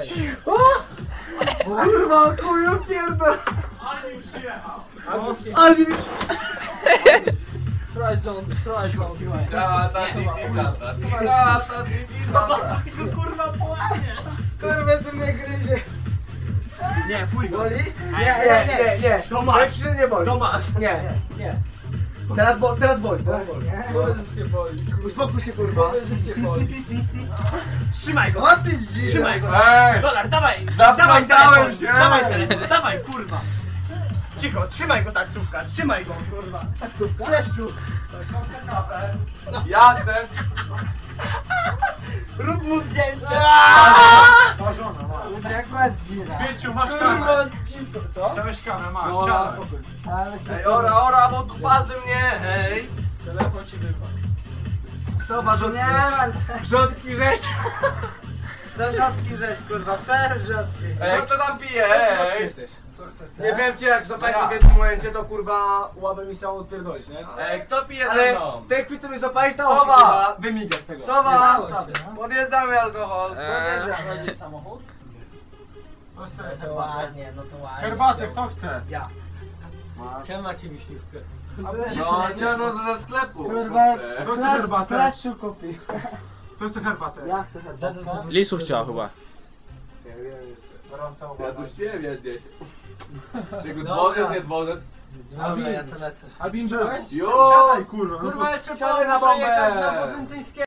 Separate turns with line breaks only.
Kurwa, chuju pierdol!
Alvin przyjechał.
Alvin! Try rząd.
Czata digiganta.
Kurwa połamie.
Kurwa, ty mnie gryzie.
Nie, pójdź go.
Boli? Nie.
Tomasz.
Jak nie boli.
Tomasz.
Nie. Teraz boli.
Powiedz się boli.
Uspokój się, kurwa.
Powiedz, że się boli.
Trzymaj go.
O, ty zdzira.
Trzymaj go.
Ej!
Dolar, dawaj.
Zaplątałem
Dawaj
się.
telefon. Dawaj telefon. Dawaj, kurwa. Cicho, trzymaj go taksówka. Trzymaj go, kurwa.
Taksówka?
Leszczu.
Jacek!
Rób mu zdjęcie.
Ma żona, ma.
Jak ma zdzira.
Pięciu, masz
Kurwa,
kamerę.
dziwko, co?
Chciałeś kamerę, masz.
No,
Siadaj.
ale się...
Ej, ora, bo tu parzy mnie, hej!
Telefon ci wypadł.
Zobacz,
rzodki
nie mam.
Rzodki rzeź.
To rzodki rzeź, kurwa, bez rzodki.
Ej, kto tam pije, hej!
Nie wiem cię, jak
Ja.
zapalić w jednym momencie, to kurwa łabę mi chciało odpierdolić, nie?
Ej, kto pije ze
Ale
mną?
w tej chwili co mi zapalić, dało się
Sowa.
kurwa wymigać tego.
Sowa!
no.
Podjeżdżamy alkohol.
Chodzi samochód?
To chce
No to ładnie,
Herbatę, kto chce?
Ja.
Macie miśniówkę.
No, ze sklepu.
Kurwa,
To chce herbatę.
Flashu kupi.
To chce herbatę.
Ja chcę herbatę.
Lisu chciała chyba.
Gorąca
Ja
uwaga.
tu śpiewię gdzieś. Czego dworzec, nie dworzec?
Dobra, ja to lecę.
Albin, byłeś?
Jo!
Kurwa,
Kurwa, jeszcze
siadaj na bombę.
przejechać na Bodzentyńskiego.